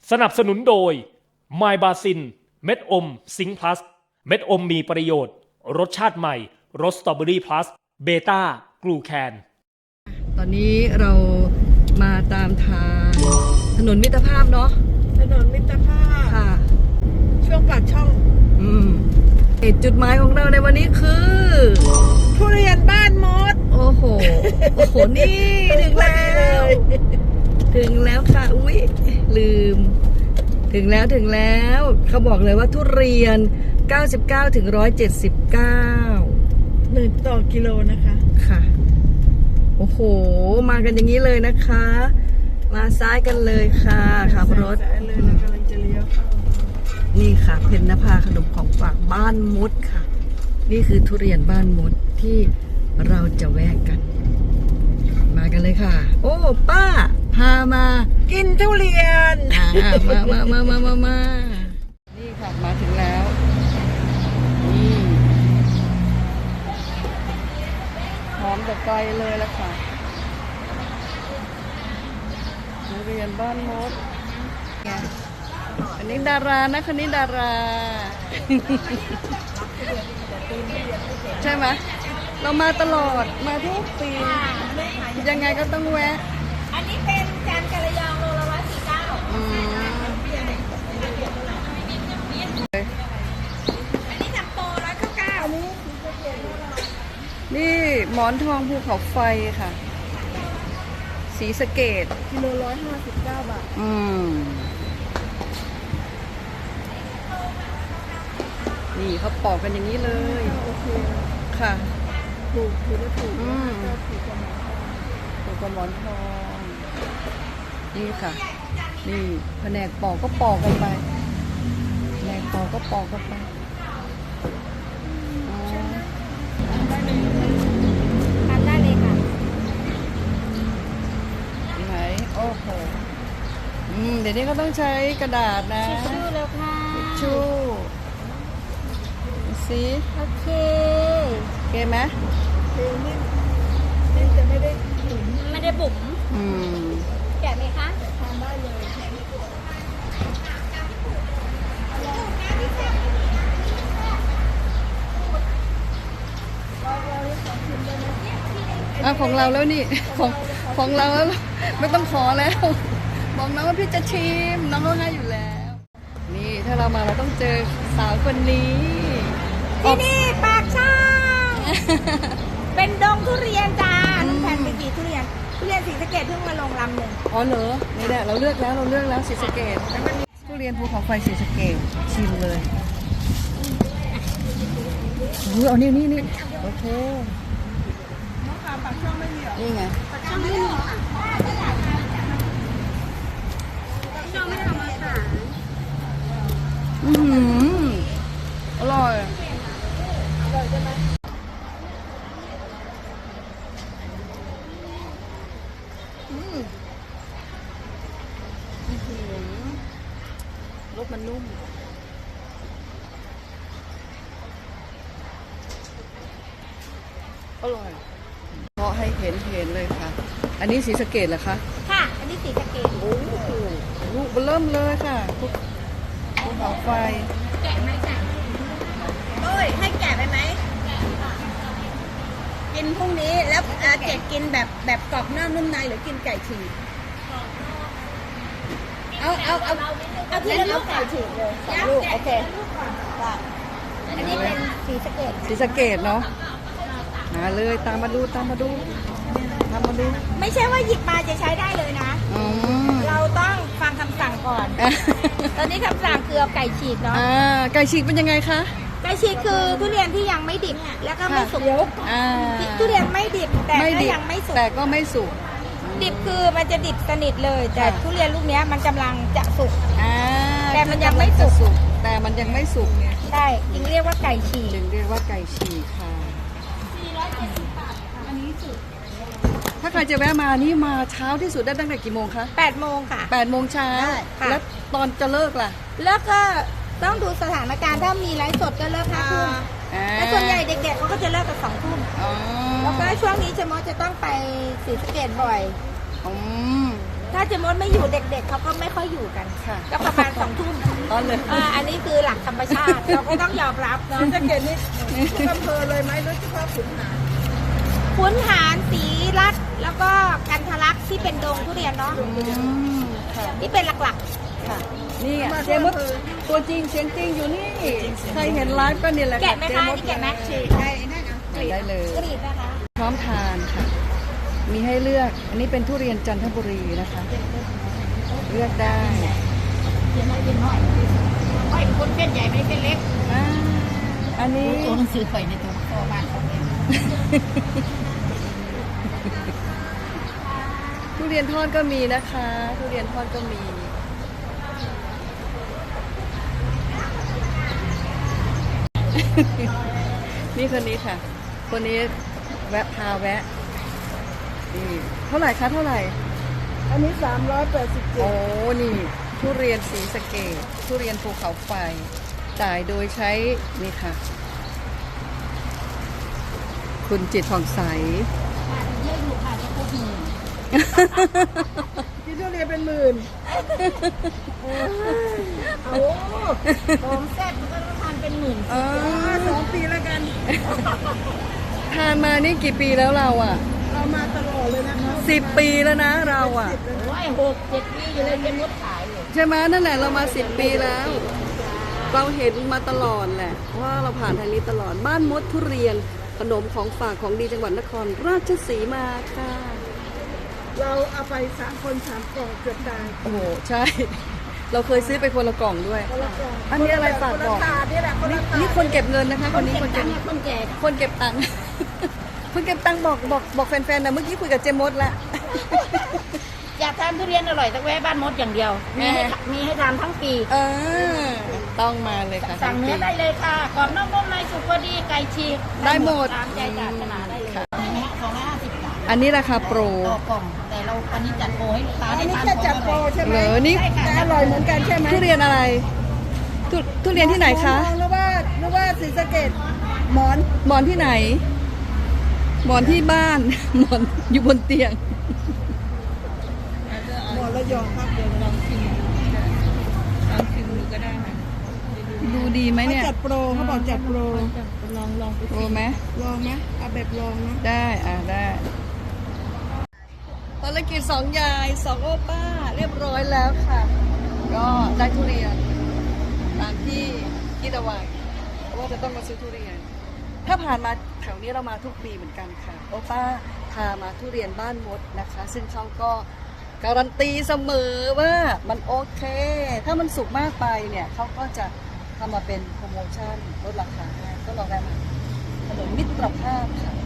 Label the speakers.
Speaker 1: สนับสนุนโดย My b a s i n เม็ดอมซิงค์พลัสเม็ดอมมีประโยชน์รสชาติใหม่รสสตรอเบอรี่พลัสเบต้ากลูแคน
Speaker 2: ตอนนี้เรามาตามทางถนนมิตรภาพเนาะ
Speaker 3: ถนนมิตรภาพ
Speaker 2: ค่ะ
Speaker 3: ช่วงปากช่อง
Speaker 2: จุดหมายของเราในวันนี้คือ
Speaker 3: ทุเรียนบ้านมด
Speaker 2: โอ้โหนี่ถึงแล้วค่ะอุ๊ยลืมถึงแล้วเขาบอกเลยว่าทุเรียน99ถึง179
Speaker 3: 1 ต่อกิโลนะคะ
Speaker 2: ค่ะโอ้โหมากันอย่างนี้เลยนะคะมาซ้ายกันเลยค่ะขับรถ
Speaker 3: ซ้ายเลยเรากำลังจะเลี้ยวเข้า
Speaker 2: นี่ค่ะเพญนภาขนมของฝากบ้านมดค่ะนี่คือทุเรียนบ้านมดที่เราจะแวะกันมากันเลยค่ะโอ้ป้าพามา
Speaker 3: กินทุเรียน
Speaker 2: มานี่ค่ะมาถึงแล้วนี่หอมจากไกลเลยละค่ะทุเรียนบ้านมดอันนี้ดารานะคนนี้ดาราใช่ไหมเรามาตลอดมาทุกปียังไงก็ต้องแวะ
Speaker 4: อันนี้เป็นจานกระยองโลละ149อันนี้จำโป199
Speaker 2: นี่หมอนทองภูเขาไฟค่ะศรีสะเกษ
Speaker 3: กิโล159 บาท
Speaker 2: นี่เขาปอกกันอย่างนี้เลย
Speaker 3: โอเค
Speaker 2: ค่ะ
Speaker 3: ถูกถูก
Speaker 2: กว่าหมอนทองนี่ค่ะนี่แผนกปอกก็ปอกกันไปแผนกปอกก็ปอกกันไป
Speaker 4: ทำได้เลยค่ะ
Speaker 2: ไหนโอ้โหเดี๋ยวนี้ก็ต้องใช้กระดาษนะ
Speaker 4: ทิชชู่แล้วค่ะ
Speaker 2: ทิชชู่สิ
Speaker 4: โอเค
Speaker 2: ไหม
Speaker 3: นี่จะไม่ได้
Speaker 4: บุ๋มแกะไหมคะ
Speaker 3: ทานได้เลย
Speaker 2: ของเราแล้วนี่ของเราแล้วไม่ต้องขอแล้วบอกน้องว่าพี่จะชิมน้องเขาให้อยู่แล้วนี่ถ้าเรามาเราต้องเจอสาวคนนี้
Speaker 4: ที่นี่ปากช่องเป็นดงทุเรียนจ้าน้องแพนไปกี่ทุเรียนศรีสะเกษเพิ่งมาลงลำหนึ่ง
Speaker 2: อ๋อเหรอนี่แหละเราเลือกแล้วศรีสะเกษทุเรียนภูเขาไฟศรีสะเกษชิมเลยเอานี่โอเค
Speaker 3: น้องคำปากช่องไม่มีหรอ
Speaker 2: นี่ไง
Speaker 4: ปากช่องไม่มีค่ะปากช่องไม่ทำอาหาร
Speaker 2: อร่อย
Speaker 3: ใช่ไหม
Speaker 2: รสมันนุ่มอร่อยเพราะให้เห็นเลยค่ะอันนี้ศรีสะเกษเหรอคะ
Speaker 4: ค่ะอันนี้ศรีสะเกษ
Speaker 2: โอ้โหลูกเริ่มเลยค่ะภูเขาไฟ
Speaker 4: แกะไหมจ้ะโอ้ยให้แกะไปไหมกินพรุ่งนี้แล้วเจ็ดกินแบบกรอบนอกนุ่มในหรือกินไก่ฉีกเอาทีละลูกไก่ฉีกเลย2 ลูกโอเคอันนี้เป็นศรีสะเกษ
Speaker 2: เนาะมาเลยตามมาดู
Speaker 4: ไม่ใช่ว่าหยิบมาจะใช้ได้เลยนะเราต้องฟังคำสั่งก่อนตอนนี้คำสั่งคือเอาไก่ฉีกเนาะ
Speaker 2: ไก่ฉีกเป็นยังไงคะ
Speaker 4: ไก่ฉีกคือทุเรียนที่ยังไม่ดิบแล้วก็ไม่สุกทุเรียนไม่ดิบแต่ก็ยังไม่สุกดิบคือมันจะดิบสนิทเลยแต่ทุเรียนลูกนี้มันกำลังจะสุกแต่มันยังไม่สุกใช่จึงเรียกว่าไก่ฉีก
Speaker 2: ค่ะ470 บาทอันนี้สุดถ้าใครจะแวะมานี่มาเช้าที่สุดได้ตั้งแต่กี่โมงคะ
Speaker 4: 8 โมงค่ะ
Speaker 2: 8 โมงเช้าแล้วตอนจะเลิกล่ะ
Speaker 4: เลิกก็ต้องดูสถานการณ์ถ้ามีไลฟ์สดก็เลิก5 ทุ่มแต่ส่วนใหญ่เด็กๆเขาก็จะเลิกกัน2 ทุ่มแล้วก็ช่วงนี้จะต้องไปศรีสะเกษบ่อยถ้าเจมดไม่อยู่เด็กๆเขาก็ไม่ค่อยอยู่กัน
Speaker 2: ค่ะ
Speaker 4: ก็ประมาณ2 ทุ่ม
Speaker 2: อ๋อเลย
Speaker 4: อันนี้คือหลักธรรมชาติ เราก็ต้องยอมรับเนาะ
Speaker 3: จะเกตนี่ทุกอำเภอเลยไหมหรือเฉพาะขุนหาร
Speaker 4: ขุนหารศรีรัตน์แล้วก็กันทะลักที่เป็นดงทุเรียนเนาะ
Speaker 2: ค่ะ
Speaker 4: ที่เป็นหลัก
Speaker 2: ค่ะนี่อ่ะเจมส์ตัวจริงเสียงจริงอยู่นี่ใครเห็นไลฟ์ก็นี่แหละ
Speaker 4: ๆแกะไหมคะ
Speaker 2: เจ
Speaker 4: นี่แกะไหม
Speaker 3: ฉีกได้นั่นอ่ะ
Speaker 2: ได้เลย
Speaker 4: กรีดนะคะ
Speaker 2: พร้อมทานค่ะ มีให้เลือก อันนี้เป็นทุเรียนจันทบุรีนะคะ เลือกได้
Speaker 4: เขียนไว้เป็นน้อยไว้คนเป็นใหญ่ไม่เป็นเล็ก
Speaker 2: อ่าอันนี้
Speaker 4: ตัวหนังสือข่อยในตัวพ่อบ้านเขาเอง
Speaker 2: ทุเรียนทอดก็มีนะคะ ทุเรียนทอดก็มี นี่คนนี้ค่ะ คนนี้แวะพาแวะนี่เท่าไหร่คะเท่าไหร่
Speaker 3: อันนี้
Speaker 2: โอ้
Speaker 3: 387
Speaker 2: นี่ ทุเรียนสีสะเกดทุเรียนภูเขาไฟ จ่ายโดยใช้ นี่ค่ะ คุณจิตผ่องใส
Speaker 4: เยอะอยู่ค่ะจะพูดหนึ่ง
Speaker 3: ที่ทุเรียนเป็นหมื่นโอ้
Speaker 4: ของแซ่บมันก็ต้องทานเป็นหมื่น
Speaker 3: 2 ปีแล้วกัน
Speaker 2: ทานมานี่กี่ปีแล้วเราอ่ะ
Speaker 3: เรามาตลอดเลยนะคะ
Speaker 2: 10 ปีแล้วนะเราอ่ะ
Speaker 4: โอ้ย6-7 ปีอยู่เลยเป็นมดขายอยู่
Speaker 2: ใช่ไหมนั่นแหละเรามา10 ปีแล้ว เราเห็นมาตลอดแหละว่าเราผ่านทางนี้ตลอดบ้านมดทุเรียนขนมของฝากของดีจังหวัดนครราชสีมาค่ะ
Speaker 3: เราเอาไป3 คน 3 กล่องเกือบตาย
Speaker 2: โอ้โหใช่ เราเคยซื้อไปคนละกล่องด้วย
Speaker 3: คนละกล่อง
Speaker 2: อันนี้อะไรฝากบอก
Speaker 3: คนละถาดนี่แหละคนละถาด
Speaker 2: นี่คนเก็บเงินนะคะคนนี้คนเก็บ
Speaker 4: คนแก่
Speaker 2: คนเก็บตังค์ คนเก็บตังค์บอกแฟนๆนะเมื่อกี้คุยกับเจมดแล้ว
Speaker 4: อยากทานทุเรียนอร่อยต้องแวะบ้านมดอย่างเดียว มีให้ทานทั้งปี
Speaker 2: ต้องมาเลยค่ะ
Speaker 4: สั่งเนื้อได้เลยค่ะกรอบนอกนุ่มในสุกพอดีไก่ฉีก
Speaker 2: ได้หมด
Speaker 4: ตามใจปรารถนาได้เลย
Speaker 2: ค่ะ
Speaker 4: มีไหมฮะ250 บาท
Speaker 2: อันนี้ราคาโปร
Speaker 4: ต่อกล่อง แต่เราอันนี้จัดโปรให้ลูกค้า
Speaker 3: อัน
Speaker 4: ได้
Speaker 3: นี้
Speaker 4: ทาน
Speaker 3: จะจัดโปรใช่ไหม
Speaker 2: เหรอนี่
Speaker 3: แต่อร่อยเหมือนกันใช่ไหม
Speaker 2: ทุเรียนอะไรทุเรียนที่ไหนคะ
Speaker 3: มองหรือว่าศรีสะเกษหมอน
Speaker 2: หมอนที่ไหน หมอนที่บ้าน หมอนอยู่บนเตียง
Speaker 3: หมอนระยองครับเดี๋ยวลองชิมดูก็ได้ค่ะ
Speaker 2: ดูดีไหม
Speaker 3: เขา
Speaker 2: เนี่ย
Speaker 3: จัดโปรเขาบอกจัดโปร
Speaker 4: ลองไป
Speaker 2: โปรไหม
Speaker 3: ลองไหมเอาแบบลองนะ
Speaker 2: ได้ได้ภารกิจ2 ยาย2 โอป้าเรียบร้อยแล้วค่ะ ก็ได้ทุเรียนตามที่คิดเอาไว้ว่าจะต้องมาซื้อทุเรียน ถ้าผ่านมาแถวนี้เรามาทุกปีเหมือนกันค่ะโอป้าพามาทุเรียนบ้านมดนะคะ ซึ่งเขาก็การันตีเสมอว่ามันโอเค ถ้ามันสุกมากไปเนี่ยเขาก็จะทำมาเป็นโปรโมชั่นลดราคาให้ก็ลองได้มาถนนมิตรภาพค่ะ